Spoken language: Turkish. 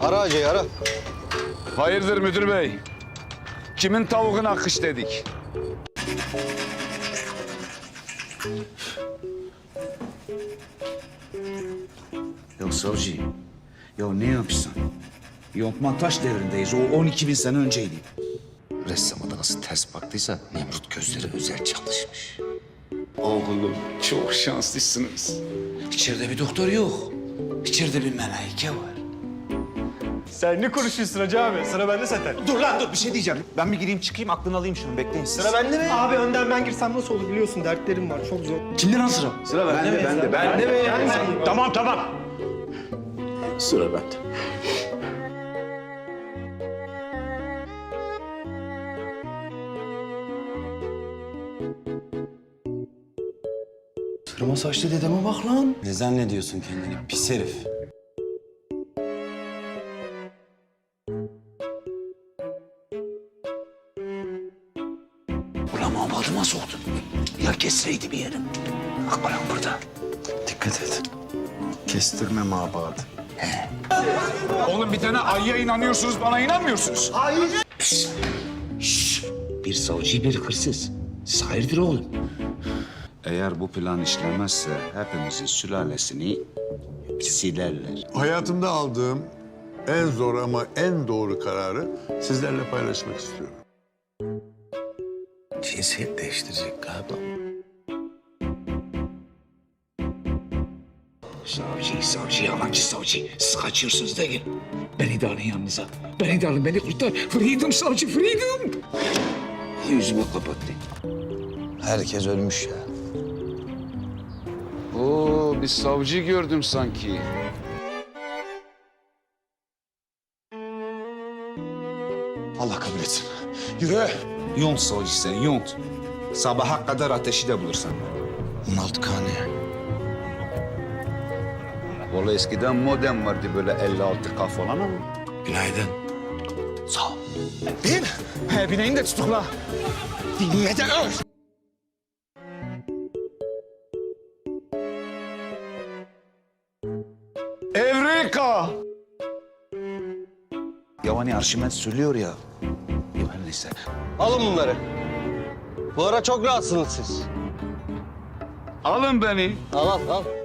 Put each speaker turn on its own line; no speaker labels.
Ara Hacı'yı ara.
Hayırdır müdür bey? Kimin tavuğuna kış dedik?
Ya savcı, ya ne yapıyorsun? Yontma taş devrindeyiz. O 12.000 sene önceydi.
Ressama da nasıl ters baktıysa Nemrut gözleri özel çalışmış.
Oğlum çok şanslısınız.
İçeride bir doktor yok. İçeride bir melaike var.
Sen ne konuşuyorsun Hacı abi? Sıra bende zaten.
Dur lan dur, bir şey diyeceğim. Ben bir gireyim çıkayım, aklını alayım şunu. Bekleyin siz.
Sıra bende mi? Abi önden ben girsem nasıl olur biliyorsun dertlerim var çok zor.
Kimden lan sıra?
Sıra bende mi? Bende mi?
Tamam.
Sıra bende.
Kırma saçlı dedeme bak lan. Ne zannediyorsun kendini pis herif?
Ulan mamadıma soktun. Ya kesseydi bir yerim. Bak bana burada.
Dikkat et. Kestirme mabadı.
Oğlum bir tane ayıya inanıyorsunuz, bana inanmıyorsunuz.
Bir savcı, bir hırsız. Siz hayırdır oğlum?
Eğer bu plan işlemezse hepimizin sülalesini silerler.
Hayatımda aldığım en zor ama en doğru kararı sizlerle paylaşmak istiyorum.
Cinsiyet değiştirecek galiba.
Savcı, yalancı savcı. Siz kaçıyorsunuz değil. Beni de alın yanınıza. Beni de alın, beni kurtar. Freedom savcı, freedom. Yüzümü kapattı.
Herkes ölmüş ya.
Oo, bir savcı gördüm sanki.
Allah kabul etsin. Yürü.
Yont savcı sen, yont. Sabaha kadar ateşi de bulursan.
16 kane.
Vallahi eskiden modem vardı böyle 56K falan ama.
Günaydın.
Sağ ol. Bin. He, bineğini de tutukla. Dinle de öl.
Evreka!
Ya hani Arşimet söylüyor ya. Ya her neyse.
Alın bunları. Bu ara çok rahatsınız siz.
Alın beni.
Al al al.